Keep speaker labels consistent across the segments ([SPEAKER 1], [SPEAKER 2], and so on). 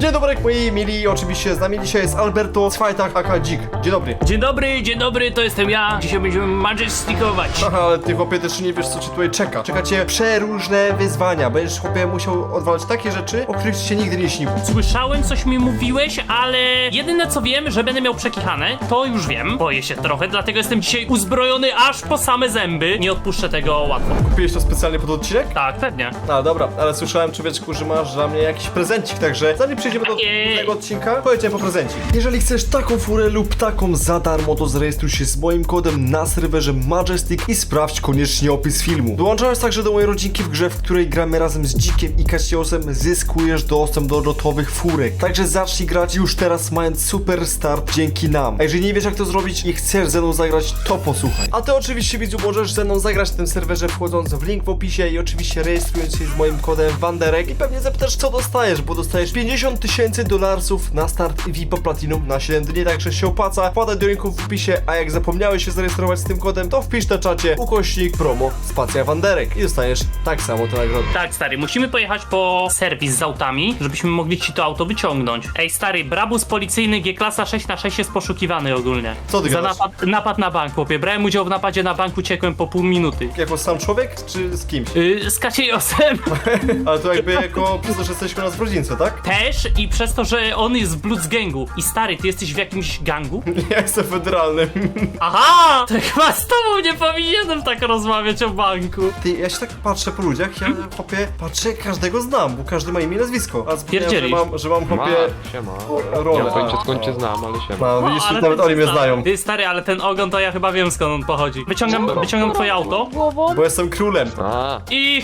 [SPEAKER 1] Dzień dobry, moi mili, oczywiście z nami dzisiaj jest Alberto Swajtak aka Dzik. Dzień dobry.
[SPEAKER 2] Dzień dobry, to jestem ja. Dzisiaj będziemy majestikować.
[SPEAKER 1] Aha, ale ty chłopie też nie wiesz co cię tutaj czeka. Czeka cię przeróżne wyzwania. Będziesz chłopie musiał odwalać takie rzeczy, o których ci się nigdy nie śniło.
[SPEAKER 2] Słyszałem, coś mi mówiłeś, ale jedyne co wiem, że będę miał przekichane, to już wiem. Boję się trochę, dlatego jestem dzisiaj uzbrojony aż po same zęby. Nie odpuszczę tego łatwo.
[SPEAKER 1] Kupiłeś to specjalnie pod odcinek?
[SPEAKER 2] Tak, pewnie.
[SPEAKER 1] No dobra, ale słyszałem, człowieczku, że masz dla mnie jakiś prezencik, także zanim przejdziemy do tego odcinka, pojedziemy po prezencik. Jeżeli chcesz taką furę lub taką za darmo, to zarejestruj się z moim kodem na serwerze Majestic i sprawdź koniecznie opis filmu. Dołączając także do mojej rodzinki w grze, w której gramy razem z Dzikiem i Kasiosem, zyskujesz dostęp do lotowych furek. Także zacznij grać już teraz, mając super start dzięki nam. A jeżeli nie wiesz jak to zrobić i chcesz ze mną zagrać, to posłuchaj. A ty oczywiście, widzu, możesz ze mną zagrać w tym serwerze, wchodząc w link w opisie i oczywiście rejestrując się z moim kodem Wanderek. I pewnie zapytasz, co dostajesz, bo dostajesz 50 000 dolarów na start VIP Platinum na 7 dni, także się opłaca. Wpadaj do linku w opisie, a jak zapomniałeś się zarejestrować z tym kodem, to wpisz na czacie ukośnik promo spacja Wanderek i dostaniesz tak samo te nagrody.
[SPEAKER 2] Tak, stary, musimy pojechać po serwis z autami, żebyśmy mogli ci to auto wyciągnąć. Ej, stary, brabus policyjny G-klasa 6x6 jest poszukiwany ogólnie.
[SPEAKER 1] Co ty
[SPEAKER 2] Za
[SPEAKER 1] gadasz?
[SPEAKER 2] napad na bank, chłopie. Brałem udział w napadzie na bank, uciekłem po pół minuty.
[SPEAKER 1] Jako sam człowiek, czy z kimś?
[SPEAKER 2] Z Kaciejosem
[SPEAKER 1] Ale to jakby jako, przez to, że jesteśmy nas w rodzince, tak?
[SPEAKER 2] też i przez to, że on jest w Bloods gangu. I stary, ty jesteś w jakimś gangu?
[SPEAKER 1] Ja jestem federalnym.
[SPEAKER 2] Aha! To chyba z tobą nie powinienem tak rozmawiać o banku.
[SPEAKER 1] Ty, ja się tak patrzę po ludziach, ja chłopie, patrzę, każdego znam, bo każdy ma imię i nazwisko. A zapomniałem,
[SPEAKER 2] Pierdzielisz.
[SPEAKER 1] że mam chłopie
[SPEAKER 3] Siema.
[SPEAKER 1] rolę.
[SPEAKER 3] Ja pojęcie skąd cię znam, ale siema.
[SPEAKER 1] No, widzisz,
[SPEAKER 2] ale
[SPEAKER 1] nawet
[SPEAKER 2] ten
[SPEAKER 1] oni mnie
[SPEAKER 2] stary-
[SPEAKER 1] znają.
[SPEAKER 2] Ty stary, ale ten ogon to ja chyba wiem skąd on pochodzi. Wyciągam twoje auto
[SPEAKER 1] Bo jestem królem.
[SPEAKER 3] A,
[SPEAKER 2] i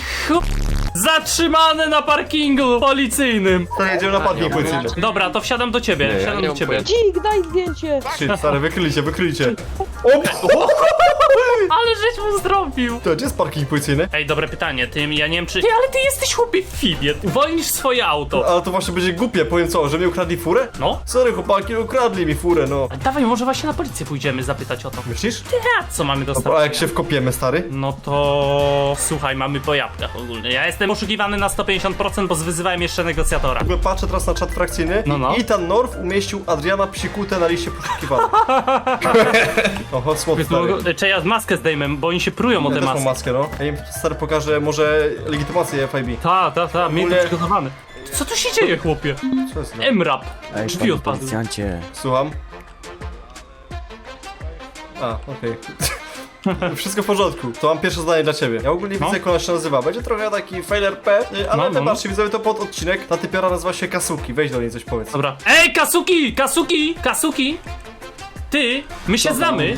[SPEAKER 2] zatrzymane na parkingu policyjnym.
[SPEAKER 1] To jedziemy na parking policyjny.
[SPEAKER 2] Dobra, to wsiadam do ciebie,
[SPEAKER 3] Nie, ja
[SPEAKER 2] wsiadam
[SPEAKER 3] nie
[SPEAKER 2] do
[SPEAKER 3] mam
[SPEAKER 2] ciebie.
[SPEAKER 3] pojęcia.
[SPEAKER 4] Dzik, daj zdjęcie!
[SPEAKER 1] Shit, stary, wykrylicie.
[SPEAKER 2] Ale żeś mu zrobił.
[SPEAKER 1] To gdzie jest parking policyjny?
[SPEAKER 2] Ej, dobre pytanie, ja nie wiem czy... Ty, ale ty jesteś chłopie fibie. Uwolnisz swoje auto.
[SPEAKER 1] Ale to właśnie będzie głupie, powiem co, że mi ukradli furę?
[SPEAKER 2] No.
[SPEAKER 1] Sorry chłopaki, ukradli mi furę, no.
[SPEAKER 2] Dawaj, może właśnie na policję pójdziemy zapytać o to.
[SPEAKER 1] Myślisz?
[SPEAKER 2] A co mamy dostać?
[SPEAKER 1] A jak się wkopiemy, stary?
[SPEAKER 2] No to... Słuchaj, mamy po jabłkach ogólnie. Ja jestem poszukiwany na 150%, bo wyzywałem jeszcze negocjatora.
[SPEAKER 1] W ogóle patrzę teraz na czat frakcyjny.
[SPEAKER 2] No.
[SPEAKER 1] Ethan North umieścił Adriana Psikutę na liście poszukiwanych. Oho, smutno, stary.
[SPEAKER 2] Czy ja maskę zdejmę, bo oni się prują o
[SPEAKER 1] Ja
[SPEAKER 2] te
[SPEAKER 1] też mam
[SPEAKER 2] maski.
[SPEAKER 1] maskę, no. Ja im stary pokażę może legitymację FIB.
[SPEAKER 2] Ta, miej to
[SPEAKER 1] ogóle-
[SPEAKER 2] przygotowane. Co tu się dzieje, chłopie?
[SPEAKER 1] Co jest? No?
[SPEAKER 2] M-rap.
[SPEAKER 5] Ej,
[SPEAKER 2] Drzwi
[SPEAKER 5] panie
[SPEAKER 2] odpadły.
[SPEAKER 5] policjancie.
[SPEAKER 1] Słucham. A, okej. Wszystko w porządku. To mam pierwsze zadanie dla ciebie. Ja ogólnie
[SPEAKER 2] No.
[SPEAKER 1] widzę, jak ona się nazywa. Będzie trochę taki failer P, ale
[SPEAKER 2] No.
[SPEAKER 1] wybaczcie, widzowie, to pod odcinek. Ta typiara nazywa się Kasuki. Weź do niej coś powiedz.
[SPEAKER 2] Dobra. Ej, Kasuki! Ty, my się znamy.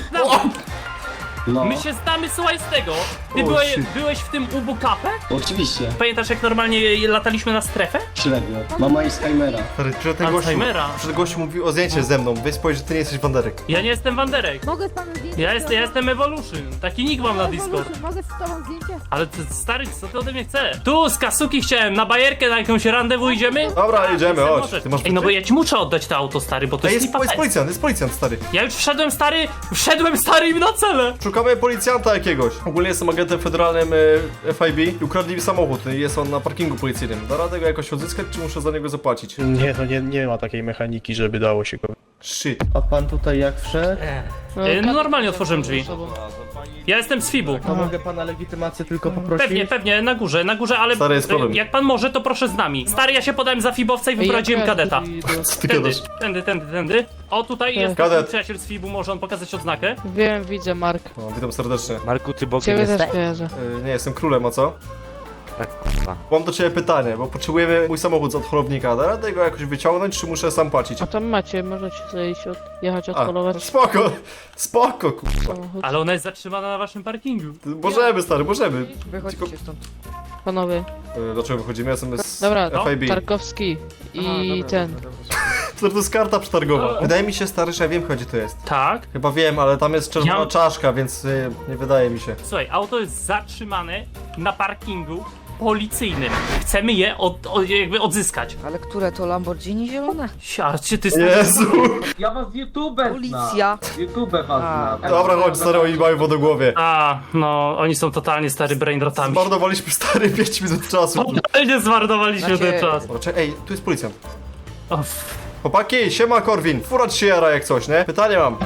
[SPEAKER 2] My się znamy, słuchaj z tego. Ty
[SPEAKER 1] O, shit.
[SPEAKER 2] byłeś w tym Ubu Cafe?
[SPEAKER 6] Oczywiście,
[SPEAKER 2] Pamiętasz jak normalnie lataliśmy na strefę?
[SPEAKER 6] średnio. Mama jest Skymera.
[SPEAKER 1] Stary,
[SPEAKER 2] Alzheimera.
[SPEAKER 1] przed gościu mówił o zdjęcie ze mną. Weź powiedz, że ty nie jesteś Wanderek.
[SPEAKER 2] Ja nie jestem Wanderek.
[SPEAKER 4] Mogę z panem zdjęcie?
[SPEAKER 2] Ja jestem Evolution. Taki nick mam na Discord.
[SPEAKER 4] Mogę z tobą zdjęcie?
[SPEAKER 2] Ale ty, stary, co ty ode mnie chcesz? Tu z Kasuki chciałem, na bajerkę, na jakąś randewu idziemy?
[SPEAKER 1] Dobra, jedziemy, chodź.
[SPEAKER 2] Możesz.
[SPEAKER 1] Ty masz
[SPEAKER 2] Ej, no bo
[SPEAKER 1] kluczy?
[SPEAKER 2] ja ci muszę oddać to auto, stary, bo to
[SPEAKER 1] Ej,
[SPEAKER 2] jest lipa.
[SPEAKER 1] jest policjant, stary.
[SPEAKER 2] Ja już wszedłem, stary im na cele.
[SPEAKER 1] Szukamy policjanta jakiegoś. Ogólnie jestem agentem federalnym FIB i ukradli mi samochód. Jest on na parkingu policyjnym. Da radę go jakoś odzyskać, czy muszę za niego zapłacić?
[SPEAKER 7] Nie, no nie ma takiej mechaniki, żeby dało się go.
[SPEAKER 1] Shit.
[SPEAKER 6] A pan tutaj jak wszedł?
[SPEAKER 2] No normalnie otworzyłem drzwi. Ja jestem z Fibu.
[SPEAKER 6] To mogę pana legitymację tylko poprosić?
[SPEAKER 2] Pewnie, na górze, ale
[SPEAKER 1] Stary, jest problem.
[SPEAKER 2] jak pan może, to proszę z nami. Stary, ja się podałem za Fibowca i wyprowadziłem kadeta.
[SPEAKER 1] Co ty
[SPEAKER 2] Tędy,
[SPEAKER 1] gadasz?
[SPEAKER 2] tędy. O, tutaj jest
[SPEAKER 1] Kadet.
[SPEAKER 2] mój przyjaciel z Fibu, może on pokazać odznakę?
[SPEAKER 4] Wiem, widzę, Mark.
[SPEAKER 1] No, witam serdecznie.
[SPEAKER 5] Marku, ty Bogiem
[SPEAKER 4] Ciebie
[SPEAKER 5] jesteś?
[SPEAKER 4] też kojarzę.
[SPEAKER 1] Nie, jestem królem, a co?
[SPEAKER 5] Tak, kurwa.
[SPEAKER 1] Mam do ciebie pytanie, bo potrzebujemy mój samochód od holownika. Da radę go jakoś wyciągnąć, czy muszę sam płacić?
[SPEAKER 4] A tam macie, możecie sobie iść jechać,
[SPEAKER 1] A,
[SPEAKER 4] odpolować
[SPEAKER 1] spoko, kurwa.
[SPEAKER 4] samochód.
[SPEAKER 2] Ale ona jest zatrzymana na waszym parkingu.
[SPEAKER 1] Możemy, stary, możemy.
[SPEAKER 4] Wychodźcie stąd. Panowie,
[SPEAKER 1] Dlaczego wychodzimy? Ja jestem z
[SPEAKER 4] dobra,
[SPEAKER 1] FIB.
[SPEAKER 4] Tarkowski i ten.
[SPEAKER 1] To jest karta przetargowa. Wydaje mi się, stary, że ja wiem, gdzie to jest.
[SPEAKER 2] Tak?
[SPEAKER 1] Chyba wiem, ale tam jest czerwona
[SPEAKER 2] Ja-
[SPEAKER 1] czaszka, więc nie wydaje mi się.
[SPEAKER 2] Słuchaj, auto jest zatrzymane na parkingu policyjnym. Chcemy je jakby odzyskać.
[SPEAKER 8] Ale które to Lamborghini zielone?
[SPEAKER 2] Czy ty
[SPEAKER 1] Jezu!
[SPEAKER 9] Ja was z YouTube
[SPEAKER 8] Policja.
[SPEAKER 9] znam. YouTube was znam.
[SPEAKER 1] Dobra, chodź, stary, oni mają wodogłowie.
[SPEAKER 2] A, no, oni są totalnie stary brainrotami.
[SPEAKER 1] Zmarnowaliśmy, stary, 5 minut czasu.
[SPEAKER 2] Totalnie zmarnowaliśmy
[SPEAKER 8] Znaczy-
[SPEAKER 2] ten czas.
[SPEAKER 1] Dobra, ej, tu jest policjant. Chłopaki, siema Korwin. Fura ci się jara jak coś, nie? Pytanie mam.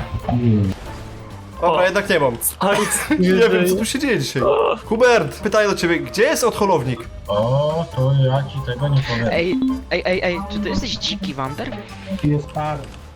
[SPEAKER 1] Dobra,
[SPEAKER 2] O.
[SPEAKER 1] jednak nie mam. Nie wiem, co tu się dzieje dzisiaj. Hubert, pytanie do ciebie. Gdzie jest odholownik?
[SPEAKER 9] O, to ja ci tego nie powiem.
[SPEAKER 5] Ej, czy ty jesteś dziki, Wander?
[SPEAKER 9] Jest par.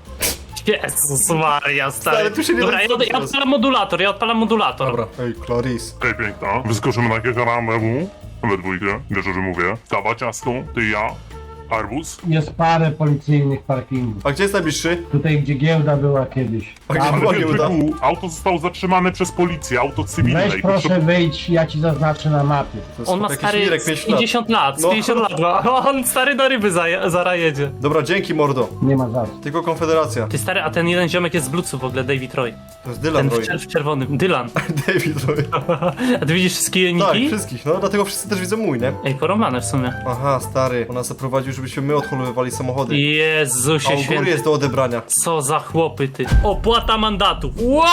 [SPEAKER 2] Jezus Maria, stary.
[SPEAKER 1] Stary, tu się nie
[SPEAKER 2] Dobra,
[SPEAKER 1] da
[SPEAKER 2] ja
[SPEAKER 1] zrobić
[SPEAKER 2] odpalam modulator,
[SPEAKER 1] Dobra, ej, Clarice.
[SPEAKER 10] Hej piękna, wyskoczymy na jakieś randewu we dwójkę, wiesz o czym mówię. Kawa, ciastko, ty i ja, arbuz.
[SPEAKER 9] Jest parę policyjnych parkingów.
[SPEAKER 1] A gdzie jest najbliższy?
[SPEAKER 9] Tutaj, gdzie giełda była kiedyś.
[SPEAKER 1] A gdzie
[SPEAKER 10] Ale
[SPEAKER 1] była giełda?
[SPEAKER 10] Piotrku, auto zostało zatrzymane przez policję, auto cywilne.
[SPEAKER 9] Weź
[SPEAKER 10] i
[SPEAKER 9] proszę wyjdź, ja ci zaznaczę na mapie.
[SPEAKER 1] To jest
[SPEAKER 2] On ma
[SPEAKER 1] jakiś
[SPEAKER 2] stary
[SPEAKER 1] Mirek,
[SPEAKER 2] z
[SPEAKER 1] 5 lat.
[SPEAKER 2] 50 lat, z
[SPEAKER 1] No.
[SPEAKER 2] 50 lat ma. On stary do ryby zara jedzie.
[SPEAKER 1] Dobra, dzięki mordo.
[SPEAKER 9] Nie ma za co.
[SPEAKER 1] Tylko Konfederacja.
[SPEAKER 2] Ty stary, a ten jeden ziomek jest z Bluetooth w ogóle, David Roy.
[SPEAKER 1] To jest Dylan
[SPEAKER 2] Ten
[SPEAKER 1] Roy.
[SPEAKER 2] w czerwonym, Dylan.
[SPEAKER 1] David Roy.
[SPEAKER 2] A ty widzisz wszystkie
[SPEAKER 1] Tak,
[SPEAKER 2] niki?
[SPEAKER 1] wszystkich. No, dlatego wszyscy też widzą mój, nie?
[SPEAKER 2] Ej, porąbane w sumie.
[SPEAKER 1] Aha, stary. On nas zaprowadził, żebyśmy my odholowywali samochody. A
[SPEAKER 2] Jezusie
[SPEAKER 1] u góry
[SPEAKER 2] święty.
[SPEAKER 1] jest do odebrania.
[SPEAKER 2] Co za chłopy ty. Opłata mandatu.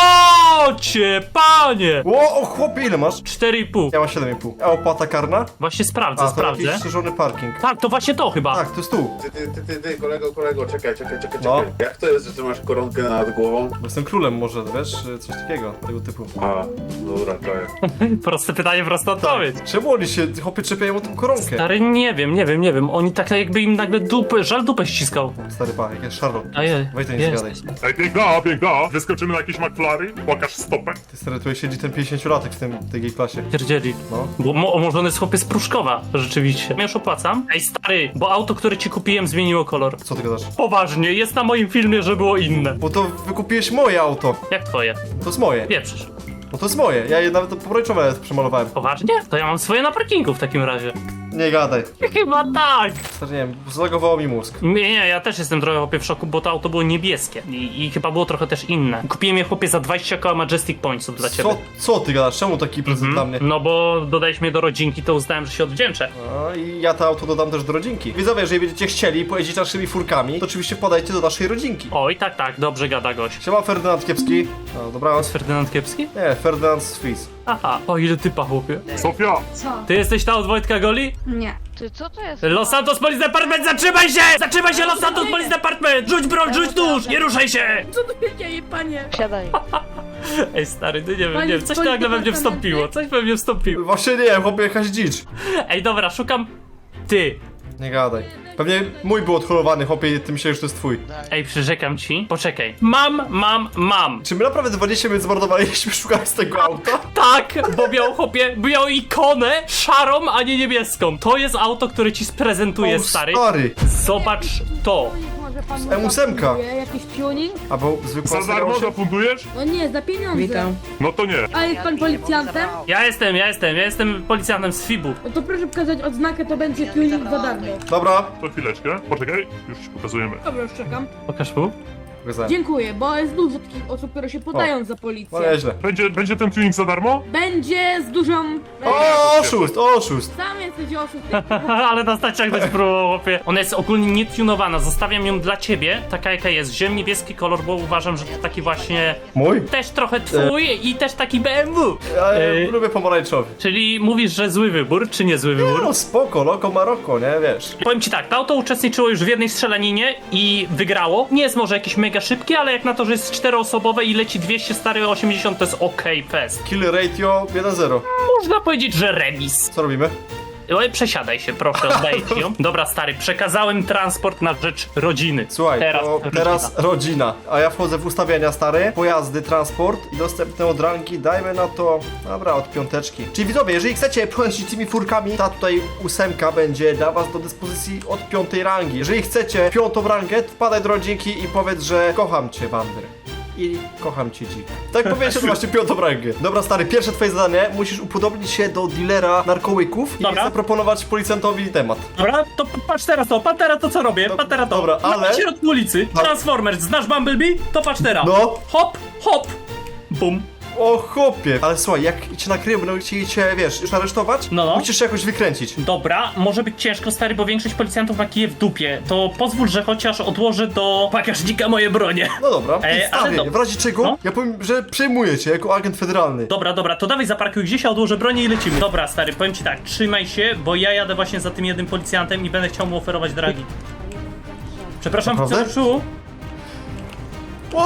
[SPEAKER 2] Łocie, panie!
[SPEAKER 1] O, chłopie, ile masz?
[SPEAKER 2] 4,5.
[SPEAKER 1] Ja mam 7,5. A opłata karna?
[SPEAKER 2] Właśnie sprawdzę,
[SPEAKER 1] A, to
[SPEAKER 2] sprawdzę.
[SPEAKER 1] jakiś szerzony parking.
[SPEAKER 2] Tak, to właśnie to chyba.
[SPEAKER 1] Tak, to jest tu.
[SPEAKER 11] Ty, kolego, czekaj,
[SPEAKER 1] No.
[SPEAKER 11] Jak to jest, że ty masz koronkę nad głową?
[SPEAKER 1] Bo jestem królem może, wiesz? Coś takiego, tego typu.
[SPEAKER 11] A, dobra, czaję.
[SPEAKER 2] Proste pytanie, prosta odpowiedź.
[SPEAKER 1] Czemu oni się, chłopie, czepiają o tą koronkę?
[SPEAKER 2] Stary, nie wiem. Oni tak jakby im nagle żal dupę ściskał.
[SPEAKER 1] Stary pa, jak jest Charlotte.
[SPEAKER 2] Ojej,
[SPEAKER 1] Weź to nie zgadaj.
[SPEAKER 10] Ej, piękna, wyskoczymy na jakieś McFlary, pokaż stopę.
[SPEAKER 1] Ty stary, tutaj siedzi ten 50-latek w tej klasie.
[SPEAKER 2] Pierdzieli.
[SPEAKER 1] No.
[SPEAKER 2] Bo może on jest chłopie z Pruszkowa, rzeczywiście. Ja już opłacam. Ej, stary, bo auto, które ci kupiłem, zmieniło kolor.
[SPEAKER 1] Co ty gadasz?
[SPEAKER 2] Poważnie, jest na moim filmie, że było inne.
[SPEAKER 1] Bo to wykupiłeś moje auto.
[SPEAKER 2] Jak twoje?
[SPEAKER 1] To jest moje.
[SPEAKER 2] Pieprzysz.
[SPEAKER 1] No to jest moje. Ja je nawet pomarańczowe przemalowałem.
[SPEAKER 2] Poważnie? To ja mam swoje na parkingu w takim razie.
[SPEAKER 1] Nie gadaj.
[SPEAKER 2] Chyba tak.
[SPEAKER 1] Stary, nie wiem, zlagowało mi mózg.
[SPEAKER 2] Nie, ja też jestem trochę chłopie w szoku, bo to auto było niebieskie. I chyba było trochę też inne. Kupiłem je chłopie za 20 koła Majestic Pointsów dla ciebie.
[SPEAKER 1] Co ty gadasz? Czemu taki prezent dla mnie?
[SPEAKER 2] No bo dodaliśmy je do rodzinki, to uznałem, że się odwdzięczę.
[SPEAKER 1] No i ja to auto dodam też do rodzinki. Widzowie, jeżeli będziecie chcieli pojeździć naszymi furkami, to oczywiście podajcie do naszej rodzinki.
[SPEAKER 2] Oj, tak, dobrze gada gość.
[SPEAKER 1] Siema Ferdynand Kiepski. No, dobranoc.
[SPEAKER 2] Ferdynand Kiepski?
[SPEAKER 1] Nie, Ferdynand z Fis.
[SPEAKER 2] Aha, o ile typa chłopie.
[SPEAKER 10] Sofia,
[SPEAKER 2] Ty jesteś ta od Wojtka Goli?
[SPEAKER 8] Nie.
[SPEAKER 4] Ty, co to jest?
[SPEAKER 2] Los Santos Police Department, zatrzymaj się! Zatrzymaj się, Los Santos Police Department! Rzuć broń, rzuć nóż! Nie ruszaj się!
[SPEAKER 12] Co tu się dzieje, panie?
[SPEAKER 4] Siadaj.
[SPEAKER 2] Ej stary, ty nie wiem,
[SPEAKER 12] Panie
[SPEAKER 2] coś
[SPEAKER 12] z
[SPEAKER 2] nagle we mnie
[SPEAKER 12] Departamentu?
[SPEAKER 2] wstąpiło, coś we mnie wstąpiło.
[SPEAKER 1] Właśnie nie, chłopie, jakaś dzicz.
[SPEAKER 2] Ej dobra, szukam... Ty.
[SPEAKER 1] Nie gadaj. Pewnie mój był odholowany, chłopie, ty myślisz, że to jest twój.
[SPEAKER 2] Ej, przyrzekam ci. Poczekaj. Mam.
[SPEAKER 1] Czy my naprawdę 20 minut zmarnowaliśmy szukając tego auta?
[SPEAKER 2] Tak, bo miał chłopie, miał ikonę szarą, a nie niebieską. To jest auto, które ci sprezentuję,
[SPEAKER 1] O,
[SPEAKER 2] stary.
[SPEAKER 1] stary.
[SPEAKER 2] Zobacz to.
[SPEAKER 12] Może pan
[SPEAKER 1] M8.
[SPEAKER 12] jakiś tuning?
[SPEAKER 1] Albo zwykła
[SPEAKER 10] za darmo
[SPEAKER 1] seria 8?
[SPEAKER 10] zafundujesz?
[SPEAKER 12] No nie, za pieniądze.
[SPEAKER 4] Witam.
[SPEAKER 10] No to nie.
[SPEAKER 12] A jest pan policjantem?
[SPEAKER 2] Ja jestem policjantem z FIB-u.
[SPEAKER 12] No to proszę pokazać odznakę, to będzie tuning za darmo.
[SPEAKER 1] Dobra.
[SPEAKER 10] To chwileczkę, poczekaj, już ci pokazujemy.
[SPEAKER 12] Dobra, już czekam.
[SPEAKER 2] Pokaż mu.
[SPEAKER 1] Pokazałem.
[SPEAKER 12] Dziękuję, bo jest dużo takich osób, które się podają za
[SPEAKER 1] No
[SPEAKER 12] policję.
[SPEAKER 1] nieźle.
[SPEAKER 10] Będzie ten tuning za darmo?
[SPEAKER 12] Będzie z dużą...
[SPEAKER 1] O, oszust.
[SPEAKER 12] Sam jesteś oszust.
[SPEAKER 2] Ale na stacjach też próbował, chłopie. Ona jest ogólnie nietunowana, zostawiam ją dla ciebie, taka jaka jest. Wziąłem niebieski kolor, bo uważam, że to taki właśnie...
[SPEAKER 1] Mój?
[SPEAKER 2] Też trochę twój i też taki BMW.
[SPEAKER 1] Ja lubię pomarańczowy.
[SPEAKER 2] Czyli mówisz, że zły wybór, czy nie zły wybór?
[SPEAKER 1] No spoko, Loko Maroko, nie, wiesz.
[SPEAKER 2] Powiem ci tak, to auto uczestniczyło już w jednej strzelaninie i wygrało. Nie jest może jakieś mega szybkie, ale jak na to, że jest 4-osobowe i leci 200, stary 80, to jest okej fest.
[SPEAKER 1] Kill ratio 1-0.
[SPEAKER 2] Można powiedzieć, że remis.
[SPEAKER 1] Co robimy?
[SPEAKER 2] Oj, przesiadaj się, proszę, oddaję ci ją. Dobra, stary, przekazałem transport na rzecz rodziny.
[SPEAKER 1] Słuchaj, teraz
[SPEAKER 2] rodzina.
[SPEAKER 1] rodzina. A ja wchodzę w ustawienia stare, pojazdy, transport i dostępne od rangi, dajmy na to, dobra, od 5. Czyli widzowie, jeżeli chcecie pojeździć tymi furkami, ta tutaj 8 będzie dla was do dyspozycji od 5. rangi. Jeżeli chcecie 5. rangę, to wpadaj do rodzinki i powiedz, że kocham cię, Wander. I kocham cię dzik. Tak powiedzieć, to właśnie 5. rangę. Dobra, stary, pierwsze twoje zadanie, musisz upodobnić się do dealera narkołyków i
[SPEAKER 2] Dobra.
[SPEAKER 1] zaproponować policjantowi temat.
[SPEAKER 2] Dobra, to patrz teraz to co robię, patrz teraz to.
[SPEAKER 1] dobra, ale-
[SPEAKER 2] Na środku ulicy,
[SPEAKER 1] No.
[SPEAKER 2] Transformers, znasz Bumblebee? To patrz teraz.
[SPEAKER 1] No.
[SPEAKER 2] Hop, bum.
[SPEAKER 1] O chłopie! Ale słuchaj, jak cię nakryją, będą chcieli cię, wiesz, już aresztować,
[SPEAKER 2] No.
[SPEAKER 1] musisz się jakoś wykręcić.
[SPEAKER 2] Dobra, może być ciężko, stary, bo większość policjantów ma kije w dupie. To pozwól, że chociaż odłożę do bagażnika moje bronie.
[SPEAKER 1] No dobra,
[SPEAKER 2] ale
[SPEAKER 1] stary, w razie czego,
[SPEAKER 2] No.
[SPEAKER 1] ja powiem, że przejmuję cię jako agent federalny.
[SPEAKER 2] Dobra, to dawaj zaparkuj gdzieś, a odłożę bronię i lecimy. Dobra, stary, powiem ci tak, trzymaj się, bo ja jadę właśnie za tym jednym policjantem i będę chciał mu oferować dragi. Przepraszam,
[SPEAKER 1] Naprawdę?
[SPEAKER 2] wciążu. O!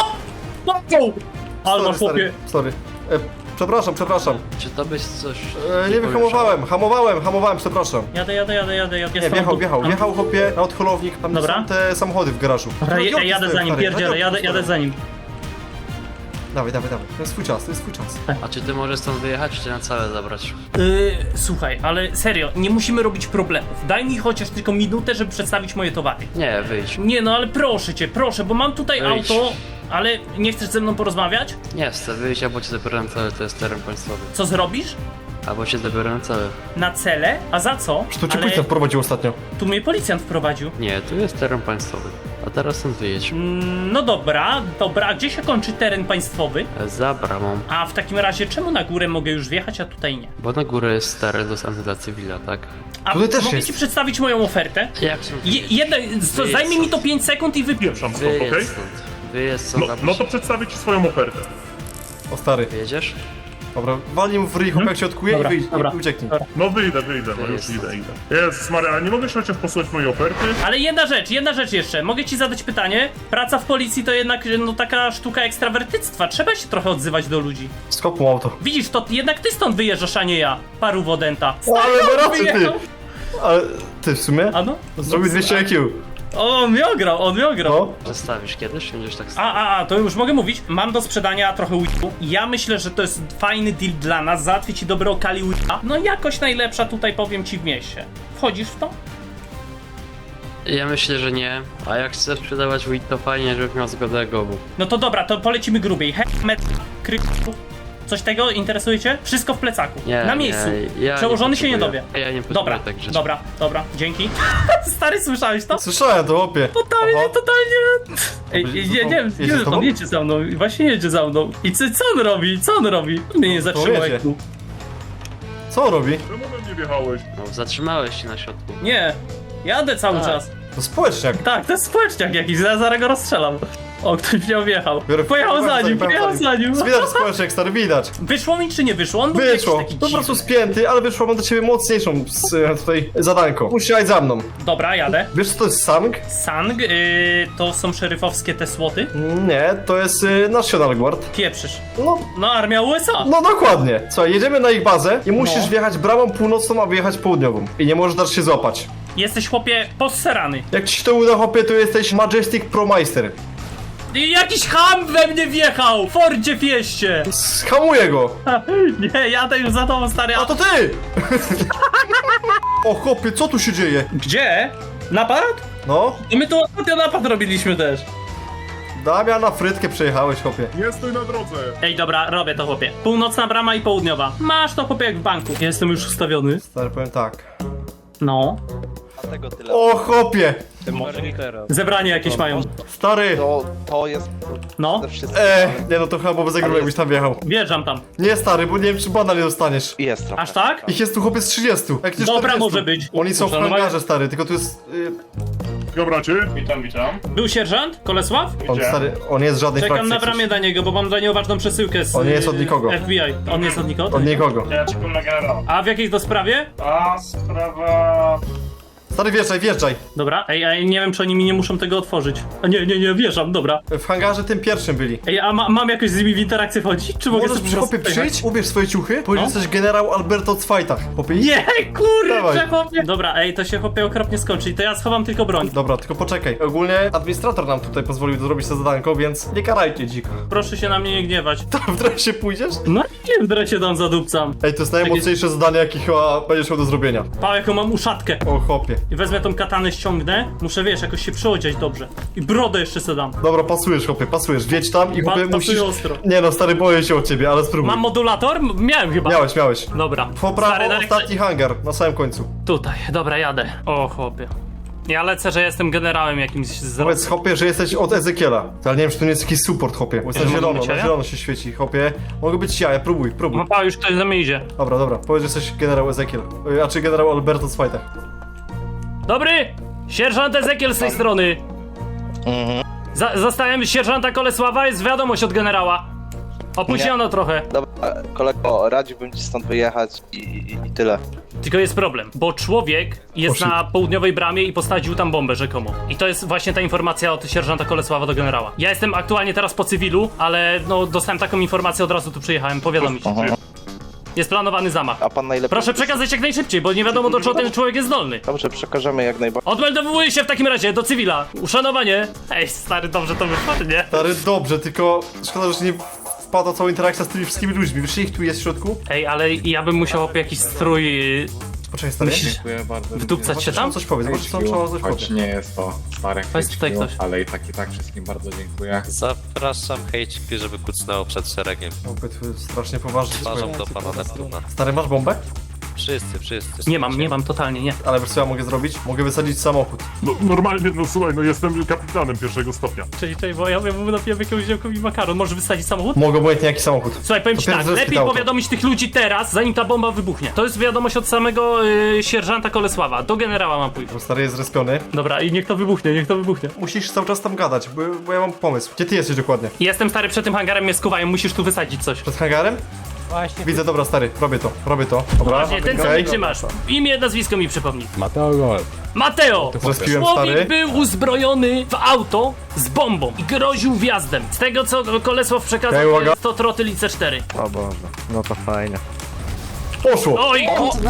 [SPEAKER 2] Ale masz chłopie.
[SPEAKER 1] Sorry. Przepraszam.
[SPEAKER 3] Czy to byś coś...
[SPEAKER 1] Nie wiem, hamowałem, przepraszam.
[SPEAKER 2] Jadę.
[SPEAKER 1] Nie, wjechał chłopie na odholownik, tam
[SPEAKER 2] Dobra.
[SPEAKER 1] są te samochody w garażu.
[SPEAKER 2] Dobra,
[SPEAKER 1] Radioki
[SPEAKER 2] jadę
[SPEAKER 1] stoją,
[SPEAKER 2] za nim,
[SPEAKER 1] stary,
[SPEAKER 2] pierdzielę,
[SPEAKER 1] radioki
[SPEAKER 2] jadę
[SPEAKER 1] stoją.
[SPEAKER 2] za nim.
[SPEAKER 1] Dawaj, to jest swój czas.
[SPEAKER 3] A czy ty możesz stąd wyjechać, czy na całe zabrać?
[SPEAKER 2] Słuchaj, ale serio, nie musimy robić problemów. Daj mi chociaż tylko minutę, żeby przedstawić moje towary.
[SPEAKER 3] Nie, wyjdź.
[SPEAKER 2] Nie no, ale proszę cię, bo mam tutaj
[SPEAKER 3] Wyjdź.
[SPEAKER 2] auto, ale nie chcesz ze mną porozmawiać?
[SPEAKER 3] Nie chcę wyjść, albo cię zabiorę na cele, to jest teren państwowy.
[SPEAKER 2] Co zrobisz?
[SPEAKER 3] Albo cię zabiorę na cele.
[SPEAKER 2] Na cele? A za co?
[SPEAKER 1] Czy to cię
[SPEAKER 2] Ale
[SPEAKER 1] policjant wprowadził ostatnio?
[SPEAKER 2] tu mnie policjant wprowadził.
[SPEAKER 3] Nie, tu jest teren państwowy. A teraz stąd wyjedź.
[SPEAKER 2] No dobra, a gdzie się kończy teren państwowy?
[SPEAKER 3] Za bramą.
[SPEAKER 2] A w takim razie czemu na górę mogę już wjechać, a tutaj nie?
[SPEAKER 3] Bo na górę jest teren dostępny dla cywila, tak?
[SPEAKER 2] A
[SPEAKER 1] Tutaj też
[SPEAKER 2] mogę
[SPEAKER 1] jest.
[SPEAKER 2] ci przedstawić moją ofertę?
[SPEAKER 3] Jak są...
[SPEAKER 2] Zajmie mi to 5 sekund i wypiję.
[SPEAKER 10] Pieprzam stąd, okej?
[SPEAKER 3] Wyjedź stąd. Wyjedź stąd,
[SPEAKER 10] No to przedstawię ci swoją ofertę.
[SPEAKER 1] O stary.
[SPEAKER 3] Wyjedziesz?
[SPEAKER 1] Dobra, walnij mu w ryj, chłopak się odkuje
[SPEAKER 2] Dobra,
[SPEAKER 1] i wyjdź,
[SPEAKER 2] dobra.
[SPEAKER 1] i ucieknij.
[SPEAKER 10] No wyjdę, no już idę. Jezus Maria, a nie mogę się chociaż posłuchać mojej oferty?
[SPEAKER 2] Ale jedna rzecz jeszcze. Mogę ci zadać pytanie? Praca w policji to jednak no taka sztuka ekstrawertyctwa. Trzeba się trochę odzywać do ludzi.
[SPEAKER 1] Skop mu auto.
[SPEAKER 2] Widzisz, to jednak ty stąd wyjeżdżasz, a nie ja. Paru wodęta.
[SPEAKER 1] Ale ma rację, ty!
[SPEAKER 2] wyjechał.
[SPEAKER 1] Ale ty w sumie?
[SPEAKER 2] A no?
[SPEAKER 1] Zrobił 200 IQ.
[SPEAKER 2] O, on mnie ograł.
[SPEAKER 1] No.
[SPEAKER 3] Przestawisz kiedyś? Będziesz tak...
[SPEAKER 2] To już mogę mówić. Mam do sprzedania trochę weedu. Ja myślę, że to jest fajny deal dla nas. Załatwię ci dobre okali weeda. No jakość najlepsza tutaj, powiem ci, w mieście. Wchodzisz w to?
[SPEAKER 3] Ja myślę, że nie. A jak chcesz sprzedawać weed, to fajnie, żebyś miał zgodę Gobu.
[SPEAKER 2] No to dobra, to polecimy grubiej. Coś tego interesuje cię? Wszystko w plecaku.
[SPEAKER 3] Nie,
[SPEAKER 2] Na miejscu.
[SPEAKER 3] nie, ja
[SPEAKER 2] Przełożony
[SPEAKER 3] nie
[SPEAKER 2] się nie
[SPEAKER 3] potrzebuję.
[SPEAKER 2] dowie.
[SPEAKER 3] Ja nie potrzebuję
[SPEAKER 2] Dobra,
[SPEAKER 3] tak żyć.
[SPEAKER 2] dobra, dzięki. Stary, słyszałeś to?
[SPEAKER 1] Słyszałem to, chłopie.
[SPEAKER 2] Totalnie. Ej,
[SPEAKER 1] Jedzie z tobą?
[SPEAKER 2] jedzie za mną, właśnie jedzie za mną. I co on robi? Mnie nie zatrzymał
[SPEAKER 1] jedzie.
[SPEAKER 2] jak tu.
[SPEAKER 1] Co on robi?
[SPEAKER 10] Czemu we mnie wjechałeś?
[SPEAKER 3] No, zatrzymałeś się na środku.
[SPEAKER 2] Nie, jadę cały
[SPEAKER 3] Tak.
[SPEAKER 2] czas.
[SPEAKER 1] To społeczniak.
[SPEAKER 2] Tak, to jest społeczniak jakiś, zaraz go rozstrzelam. O, ktoś mnie objechał. Pojechał za nim.
[SPEAKER 1] Widać społeczniak, stary, widać.
[SPEAKER 2] Wyszło mi czy nie wyszło? On był jakiś
[SPEAKER 1] Wyszło.
[SPEAKER 2] taki
[SPEAKER 1] Po prostu
[SPEAKER 2] dziwny.
[SPEAKER 1] spięty, ale wyszło, mam do ciebie mocniejszą tutaj zadanko. Musisz jechać za mną.
[SPEAKER 2] Dobra, jadę.
[SPEAKER 1] Wiesz co to jest Sang?
[SPEAKER 2] Sang, to są szeryfowskie te słoty?
[SPEAKER 1] Nie, to jest National Guard.
[SPEAKER 2] Pieprzysz.
[SPEAKER 1] No,
[SPEAKER 2] No, armia USA.
[SPEAKER 1] no dokładnie. Słuchaj, jedziemy na ich bazę i musisz
[SPEAKER 2] No.
[SPEAKER 1] wjechać bramą północną, a wyjechać południową. I nie możesz dać się złapać.
[SPEAKER 2] Jesteś, chłopie, posserany.
[SPEAKER 1] Jak ci się to uda, chłopie, to jesteś Majestic Promeister.
[SPEAKER 2] I jakiś ham we mnie wjechał! W Fordzie Fieście!
[SPEAKER 1] Skamuję go.
[SPEAKER 2] Nie, jadę już za tobą, stary.
[SPEAKER 1] A to ty! O chłopie, co tu się dzieje?
[SPEAKER 2] Gdzie? Napad?
[SPEAKER 1] No,
[SPEAKER 2] I my tu ostatnio napad robiliśmy też.
[SPEAKER 1] Damian, na frytkę przejechałeś, chłopie.
[SPEAKER 10] Nie stój na drodze!
[SPEAKER 2] Ej, dobra, robię to, chłopie. Północna brama i południowa. Masz to, chłopie, jak w banku. Jestem już ustawiony.
[SPEAKER 1] Stary, powiem tak.
[SPEAKER 2] No.
[SPEAKER 1] O chłopie!
[SPEAKER 2] Zebranie jakieś mają.
[SPEAKER 1] Stary!
[SPEAKER 11] To jest
[SPEAKER 2] No,
[SPEAKER 1] Nie no, to chyba było za grube, jakbyś tam wjechał.
[SPEAKER 2] wjeżdżam tam.
[SPEAKER 1] Nie, stary, bo nie wiem, czy bana nie dostaniesz.
[SPEAKER 11] jest trochę.
[SPEAKER 2] Aż tak?
[SPEAKER 1] Ich jest tu chłopie z 30. Jak nie
[SPEAKER 2] Dobra,
[SPEAKER 1] 40.
[SPEAKER 2] może być.
[SPEAKER 1] Oni są w
[SPEAKER 2] Może
[SPEAKER 1] hangarze, stary, tylko tu jest...
[SPEAKER 10] Dobra, cię?
[SPEAKER 2] Był sierżant? Kolesław?
[SPEAKER 1] On, stary, on jest z żadnej
[SPEAKER 2] Czekam
[SPEAKER 1] frakcji.
[SPEAKER 2] na
[SPEAKER 1] jak coś.
[SPEAKER 2] bramie dla niego, bo mam dla niego ważną przesyłkę z
[SPEAKER 1] On nie jest od nikogo.
[SPEAKER 2] FBI. On nie jest od nikogo?
[SPEAKER 1] Od nikogo.
[SPEAKER 10] Ja czekam na generała.
[SPEAKER 2] A w jakiej to sprawie?
[SPEAKER 10] A sprawa...
[SPEAKER 1] Stary, wjeżdżaj.
[SPEAKER 2] Dobra, ej, nie wiem, czy oni mi nie muszą tego otworzyć. A nie, wjeżdżam, dobra.
[SPEAKER 1] W hangarze tym pierwszym byli.
[SPEAKER 2] Ej, a mam jakoś z nimi w interakcję wchodzić? Czy mogę
[SPEAKER 1] Możesz
[SPEAKER 2] sobie
[SPEAKER 1] przy
[SPEAKER 2] po
[SPEAKER 1] chłopie
[SPEAKER 2] prostu pojechać?
[SPEAKER 1] przyjść, ubierz swoje ciuchy, powiedz,
[SPEAKER 2] No.
[SPEAKER 1] że jesteś generał Alberto Zwajtach. Chłopie,
[SPEAKER 2] Nie, kurczę,
[SPEAKER 1] Dawaj.
[SPEAKER 2] chłopie. Dobra, ej, to się chłopie okropnie skończy i to ja schowam tylko broń.
[SPEAKER 1] Dobra, tylko poczekaj. Ogólnie administrator nam tutaj pozwolił zrobić to zadanko, więc nie karajcie dziko.
[SPEAKER 2] Proszę się na mnie nie gniewać.
[SPEAKER 1] To w dresie pójdziesz?
[SPEAKER 2] No nie w dresie dam zadupcam.
[SPEAKER 1] Ej, to jest najmocniejsze zadanie, jakie chyba będziesz miał do zrobienia.
[SPEAKER 2] Pa, jaką mam uszatkę.
[SPEAKER 1] O chłopie.
[SPEAKER 2] I wezmę tą katanę, ściągnę. Muszę, wiesz, jakoś się przyodziać dobrze. I brodę jeszcze se dam.
[SPEAKER 1] Dobra, pasujesz, chłopie, pasujesz. Wiedź tam i chłopie
[SPEAKER 2] Pasuję
[SPEAKER 1] musisz...
[SPEAKER 2] ostro.
[SPEAKER 1] Nie no, stary, boję się o ciebie, ale spróbuj.
[SPEAKER 2] Mam modulator? Miałem chyba.
[SPEAKER 1] Miałeś.
[SPEAKER 2] Dobra.
[SPEAKER 1] Po prawo,
[SPEAKER 2] Stary,
[SPEAKER 1] ostatni hangar, na samym końcu.
[SPEAKER 2] Tutaj, dobra, jadę. O, chłopie. Ja lecę, że jestem generałem jakimś z...
[SPEAKER 1] Powiedz, chłopie, że jesteś od Ezekiela. Ale nie wiem, czy to nie jest jakiś support, chłopie. Bo jest na
[SPEAKER 2] mogę
[SPEAKER 1] zielono,
[SPEAKER 2] być
[SPEAKER 1] na
[SPEAKER 2] ja?
[SPEAKER 1] zielono się świeci, chłopie. Mogę być ja, próbuj.
[SPEAKER 2] No pa, już ktoś za mnie idzie.
[SPEAKER 1] Dobra. Powiedz, że jesteś generał Ezekiel. A czy generał Alberto Zwajtach.
[SPEAKER 2] Dobry! Sierżant Ezekiel z tej strony. Zostałem sierżanta Kolesława, jest wiadomość od generała. Opóźniono trochę.
[SPEAKER 6] Dobra, kolego, radziłbym ci stąd wyjechać i tyle.
[SPEAKER 2] Tylko jest problem, bo człowiek jest na południowej bramie i postawił tam bombę rzekomo. I to jest właśnie ta informacja od sierżanta Kolesława do generała. Ja jestem aktualnie teraz po cywilu, ale no dostałem taką informację, od razu tu przyjechałem powiadomić. Jest planowany zamach.
[SPEAKER 6] A pan najlepiej...
[SPEAKER 2] Proszę przekazać jak najszybciej, bo nie wiadomo do czego ten człowiek jest zdolny.
[SPEAKER 6] Dobrze, przekażemy jak najbardziej.
[SPEAKER 2] Odmeldowuję się w takim razie do cywila. Uszanowanie. Ej, stary, dobrze to wyszło, czy nie?
[SPEAKER 1] Stary, dobrze, tylko szkoda, że nie wpadła cała interakcja z tymi wszystkimi ludźmi. Wiesz, ich tu jest w środku?
[SPEAKER 2] Ej, ale ja bym musiał jakiś strój...
[SPEAKER 1] Poczekaj, stary.
[SPEAKER 11] Dziękuję bardzo.
[SPEAKER 2] Wdupcać się tam?
[SPEAKER 1] Coś powiedz, bo trzeba coś
[SPEAKER 11] Choć
[SPEAKER 1] powiedz.
[SPEAKER 11] nie jest to stare
[SPEAKER 2] Weź tutaj
[SPEAKER 11] HQ,
[SPEAKER 2] ktoś.
[SPEAKER 11] ale i tak wszystkim bardzo dziękuję.
[SPEAKER 13] Zapraszam HQ, żeby kucnęło przed szeregiem.
[SPEAKER 1] Strasznie poważnie.
[SPEAKER 13] Uważam do pana Neptuna.
[SPEAKER 1] Stary, masz bombę?
[SPEAKER 13] Wszyscy.
[SPEAKER 2] Nie mam, totalnie nie.
[SPEAKER 1] Ale wiesz co ja mogę zrobić? Mogę wysadzić samochód.
[SPEAKER 10] No normalnie, no słuchaj, no jestem kapitanem pierwszego stopnia.
[SPEAKER 2] Czyli bo ja mu napiję jakiegoś działkowi makaron. Może wysadzić samochód?
[SPEAKER 1] Mogę obojętnie jaki samochód.
[SPEAKER 2] Słuchaj, powiem ci
[SPEAKER 1] To
[SPEAKER 2] tak,
[SPEAKER 1] pierwszy
[SPEAKER 2] lepiej
[SPEAKER 1] auto.
[SPEAKER 2] powiadomić tych ludzi teraz, zanim ta bomba wybuchnie. To jest wiadomość od samego sierżanta Kolesława. Do generała mam pójść.
[SPEAKER 1] Bo stary jest zrespiony.
[SPEAKER 2] Dobra, i niech to wybuchnie.
[SPEAKER 1] Musisz cały czas tam gadać, bo ja mam pomysł. Gdzie ty jesteś dokładnie?
[SPEAKER 2] Jestem stary przed tym hangarem, mnie skuwają, musisz tu wysadzić coś.
[SPEAKER 1] Przed hangarem?
[SPEAKER 9] Właśnie.
[SPEAKER 1] Widzę, dobra stary, robię to. Dobra,
[SPEAKER 2] Właśnie, ten co
[SPEAKER 1] okej.
[SPEAKER 2] nie trzymasz. Imię, nazwisko mi przypomnij.
[SPEAKER 9] Mateo Gol.
[SPEAKER 2] Mateo!
[SPEAKER 1] Zrespiłem,
[SPEAKER 2] Człowiek
[SPEAKER 1] stary.
[SPEAKER 2] był uzbrojony w auto z bombą i groził wjazdem. Z tego co Kolesław przekazał,
[SPEAKER 1] Okej, uwaga.
[SPEAKER 2] to trotyl i C4.
[SPEAKER 6] O Boże, no to fajnie.
[SPEAKER 1] Poszło!
[SPEAKER 2] Oj,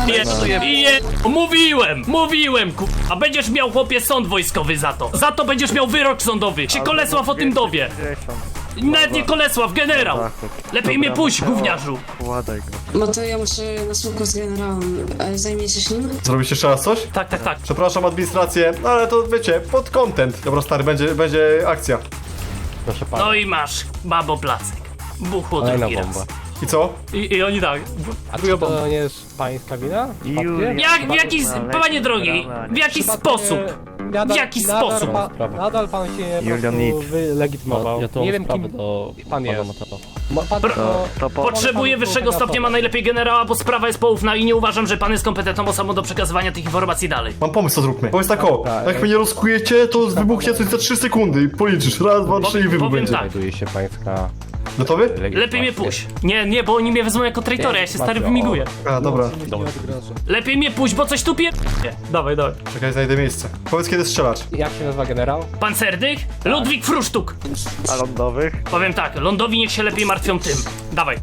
[SPEAKER 2] mówiłem, a będziesz miał, chłopie, sąd wojskowy za to. Za to będziesz miał wyrok sądowy. Się Kolesław o tym dowie. Nawet nie Kolesław, generał. Lepiej mnie puść, gówniarzu.
[SPEAKER 12] No to ja muszę na słówko z generałem. Zajmiecie się nim?
[SPEAKER 1] Zrobisz jeszcze raz coś?
[SPEAKER 2] Tak.
[SPEAKER 1] Przepraszam administrację, no ale to wiecie, pod content. Dobra stary, będzie akcja.
[SPEAKER 9] Proszę pana.
[SPEAKER 2] No i masz, babo placek. Buchło drugi raz.
[SPEAKER 1] I co?
[SPEAKER 2] I oni tak.
[SPEAKER 9] A czy to nie jest pańska wina?
[SPEAKER 2] Panie drogi, w jaki sposób? W jaki sposób?
[SPEAKER 9] Nadal pan się po prostu wylegitymował. Nie wiem kim pan jest.
[SPEAKER 2] Potrzebuję wyższego stopnia, ma najlepiej generała, bo sprawa jest poufna i nie uważam, że pan jest kompetentną osobą do przekazywania tych informacji dalej.
[SPEAKER 1] Mam pomysł, co zróbmy. Powiedz tak o, jak mnie nie rozkujecie, to wybuchnie coś za 3 sekundy i policzysz. Raz, dwa, trzy i wybuch
[SPEAKER 2] Powiem
[SPEAKER 1] będzie.
[SPEAKER 2] tak.
[SPEAKER 9] Znajduje się pańska...
[SPEAKER 1] Gotowy?
[SPEAKER 2] Lepiej mnie puść. Nie, bo oni mnie wezmą jako traitora, ja się stary wymiguję.
[SPEAKER 1] A, dobra.
[SPEAKER 2] Lepiej mnie puść, bo coś tu Dawaj.
[SPEAKER 1] Czekaj, znajdę miejsce. Powiedz kiedy strzelać.
[SPEAKER 9] Jak się nazywa generał?
[SPEAKER 2] Pancerdych? Ludwik Frusztuk.
[SPEAKER 6] A lądowych?
[SPEAKER 2] Powiem tak, lądowi niech się lepiej martwią tym. Dawaj.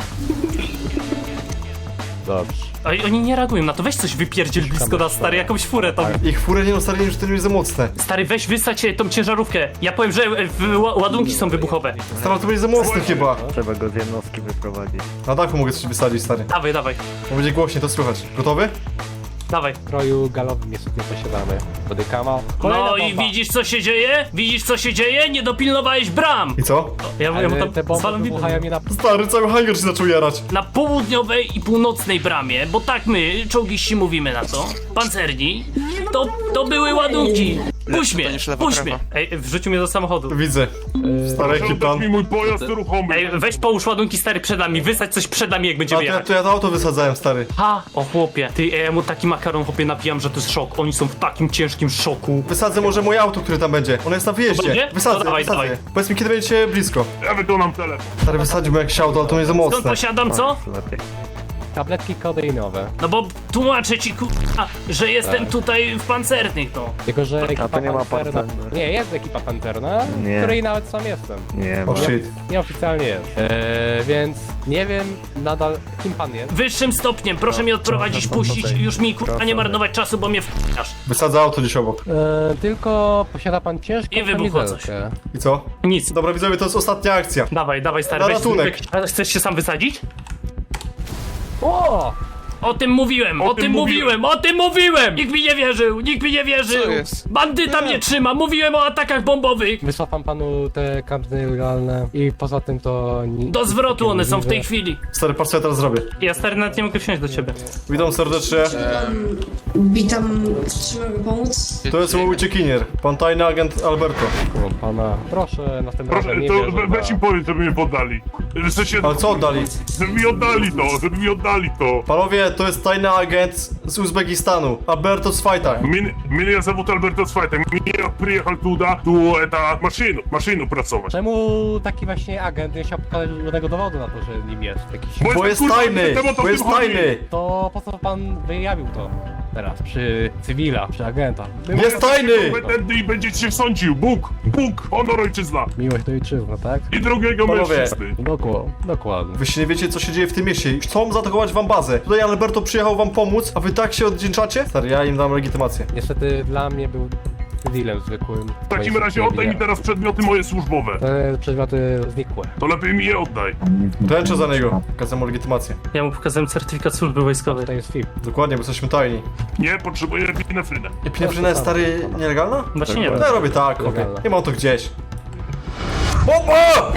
[SPEAKER 9] Dobrze.
[SPEAKER 2] Oj, oni nie reagują na to, weź coś wypierdziel blisko nas, stary, jakąś furę tam.
[SPEAKER 1] Ich furę nie ustaliłem, że to nie jest za mocne.
[SPEAKER 2] Stary, weź wysać tą ciężarówkę. Ja powiem, że ładunki są wybuchowe.
[SPEAKER 1] Stary, to będzie za mocne chyba.
[SPEAKER 6] Trzeba go z jednostki wyprowadzić.
[SPEAKER 1] Na dachu mogę coś wysadzić, stary.
[SPEAKER 2] Dawaj.
[SPEAKER 1] Bo będzie głośniej, to słychać. Gotowy?
[SPEAKER 2] Dawaj.
[SPEAKER 9] W stroju galowym jest nie posiadamy. Bodykama.
[SPEAKER 2] No i widzisz co się dzieje? Nie dopilnowałeś bram!
[SPEAKER 1] I co?
[SPEAKER 2] Ja mu
[SPEAKER 9] Te
[SPEAKER 2] tam
[SPEAKER 9] bomby
[SPEAKER 2] zwalam
[SPEAKER 9] wybuchają mi na...
[SPEAKER 1] Stary, cały hangar się zaczął jarać.
[SPEAKER 2] na południowej i północnej bramie, bo tak my, czołgiści, mówimy na to, pancerni, to były ładunki. Puść mnie. Ej, wrzucił mnie do samochodu.
[SPEAKER 1] Widzę. Stary
[SPEAKER 10] Proszę
[SPEAKER 1] ekipant.
[SPEAKER 10] oddać mi mój pojazd ruchomy.
[SPEAKER 2] Ej, weź połóż ładunki, stary, przed nami, wysadź coś przed nami, jak będziemy jechać.
[SPEAKER 1] To ja to auto wysadzałem, stary.
[SPEAKER 2] Ha! O chłopie, ty, ja mu taki makaron, chłopie, napijam, że to jest szok. Oni są w takim ciężkim szoku.
[SPEAKER 1] Wysadzę może moje auto, które tam będzie. Ono jest na wyjeździe.
[SPEAKER 2] Będzie?
[SPEAKER 1] Wysadzę,
[SPEAKER 2] No dawaj,
[SPEAKER 1] wysadzę.
[SPEAKER 2] dawaj.
[SPEAKER 1] Powiedz mi, kiedy będziecie blisko.
[SPEAKER 10] Ja wykonam telefon.
[SPEAKER 1] Stary, wysadziłbym jakieś auto, ale to nie za
[SPEAKER 2] Skąd
[SPEAKER 1] mocne.
[SPEAKER 2] posiadam, co?
[SPEAKER 9] Tabletki kodeinowe.
[SPEAKER 2] No bo tłumaczę ci, że jestem tutaj w pancernych, no.
[SPEAKER 9] Tylko, że ekipa
[SPEAKER 6] to nie ma
[SPEAKER 9] pancerna...
[SPEAKER 6] pancerny.
[SPEAKER 9] Nie, jest ekipa pancerna,
[SPEAKER 6] Nie.
[SPEAKER 9] w której nawet sam jestem.
[SPEAKER 6] Nie
[SPEAKER 1] O shit.
[SPEAKER 9] Nieoficjalnie jest. Więc nie wiem nadal kim pan jest.
[SPEAKER 2] Wyższym stopniem, proszę mnie odprowadzić, puścić, już mi kurwa nie marnować czasu, bo mnie wkurzasz.
[SPEAKER 1] Wysadzę auto gdzieś obok.
[SPEAKER 9] Tylko posiada pan ciężką
[SPEAKER 2] I wybuchło coś.
[SPEAKER 9] kamizelkę.
[SPEAKER 1] I co?
[SPEAKER 2] Nic.
[SPEAKER 1] Dobra, widzowie, to jest ostatnia akcja.
[SPEAKER 2] Dawaj, stary,
[SPEAKER 1] Na
[SPEAKER 2] weź
[SPEAKER 1] ratunek.
[SPEAKER 2] A chcesz się sam wysadzić?
[SPEAKER 9] O!
[SPEAKER 2] O tym mówiłem! Nikt mi nie wierzył! Bandyta mnie trzyma, mówiłem o atakach bombowych!
[SPEAKER 9] Wysłał panu te kampy legalne i poza tym to...
[SPEAKER 2] Do zwrotu one są w tej chwili.
[SPEAKER 1] Stary, patrz co ja teraz zrobię.
[SPEAKER 2] Ja stary nawet nie mogę wsiąść do ciebie.
[SPEAKER 1] Witam serdecznie.
[SPEAKER 12] Witam, czy mogę pomóc?
[SPEAKER 1] To jest mój uciekinier. Pan tajny agent Alberto.
[SPEAKER 9] Pana. Proszę następnym
[SPEAKER 10] Proszę,
[SPEAKER 9] razem nie
[SPEAKER 10] to
[SPEAKER 9] wierzyć
[SPEAKER 10] weź im powiedz, żeby mnie poddali. W sensie,
[SPEAKER 1] Ale co oddali?
[SPEAKER 10] żeby mi oddali to.
[SPEAKER 1] Panowie, to jest tajny agent z Uzbekistanu. Alberto Swajta.
[SPEAKER 10] Меня зовут Альберто Свайта. Я приехал туда, машину pracować.
[SPEAKER 9] Czemu taki właśnie agent nie chciał pokazać żadnego dowodu na to, że nim jest jakiś...
[SPEAKER 1] Bo jest tajny! Bo jest tajny!
[SPEAKER 9] To po co pan wyjawił to teraz przy cywila, przy agenta?
[SPEAKER 1] Jest tajny!
[SPEAKER 10] Kompetentny i będziecie się sądził. Bóg, honor ojczyzna.
[SPEAKER 9] Miłość do ojczyzny, tak?
[SPEAKER 10] I drugiego
[SPEAKER 1] Panowie.
[SPEAKER 10] mężczyzny.
[SPEAKER 9] Dokładnie.
[SPEAKER 1] Wy się nie wiecie, co się dzieje w tym mieście. Chcą zaatakować wam bazę. Tutaj Alberto przyjechał wam pomóc, a wy tak się oddzięczacie? Stary, ja im dam legitymację.
[SPEAKER 9] Niestety dla mnie był cywilem zwykłym.
[SPEAKER 10] W takim razie oddaj mi teraz przedmioty moje służbowe.
[SPEAKER 9] Te przedmioty znikłe.
[SPEAKER 10] To lepiej mi je oddaj.
[SPEAKER 1] Ręczę za niego. Pokażę mu legitymację.
[SPEAKER 2] Ja mu pokazałem certyfikat służby wojskowej.
[SPEAKER 9] To jest FIP.
[SPEAKER 1] Dokładnie, bo jesteśmy tajni.
[SPEAKER 10] Nie, potrzebuję epinefrynę.
[SPEAKER 1] Epinefryna jest, stary, nielegalna?
[SPEAKER 2] Właśnie nie wiem.
[SPEAKER 1] No ja robię tak, chłopie.
[SPEAKER 9] Legalna.
[SPEAKER 1] Nie mam to gdzieś. Bomba!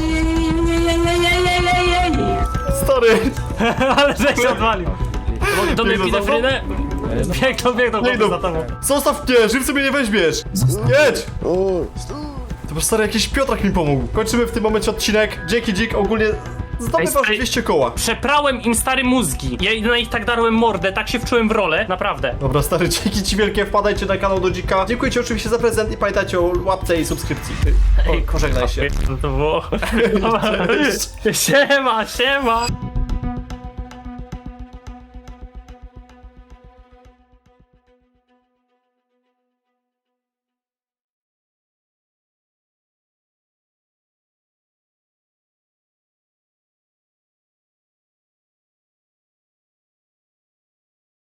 [SPEAKER 1] Stary!
[SPEAKER 2] Ale żeś się odwalił. Do mnie
[SPEAKER 1] Biegną za mną?
[SPEAKER 2] epinefrynę? Biegną
[SPEAKER 1] Idą.
[SPEAKER 2] za tobą.
[SPEAKER 1] Zostaw mnie, żywcy mnie nie weźmiesz! Jedź! To stary, jakiś Piotrak mi pomógł. Kończymy w tym momencie odcinek. Dzięki Dzik, ogólnie zdobywasz 200 koła.
[SPEAKER 2] Przeprałem im stary mózgi. Ja na nich tak darłem mordę, tak się wczułem w rolę, naprawdę.
[SPEAKER 1] Dobra, stary, dzięki ci wielkie, wpadajcie na kanał do Dzika. Dziękuję ci oczywiście za prezent i pamiętajcie o łapce i subskrypcji. Pożegnaj się.
[SPEAKER 2] To było... Siema.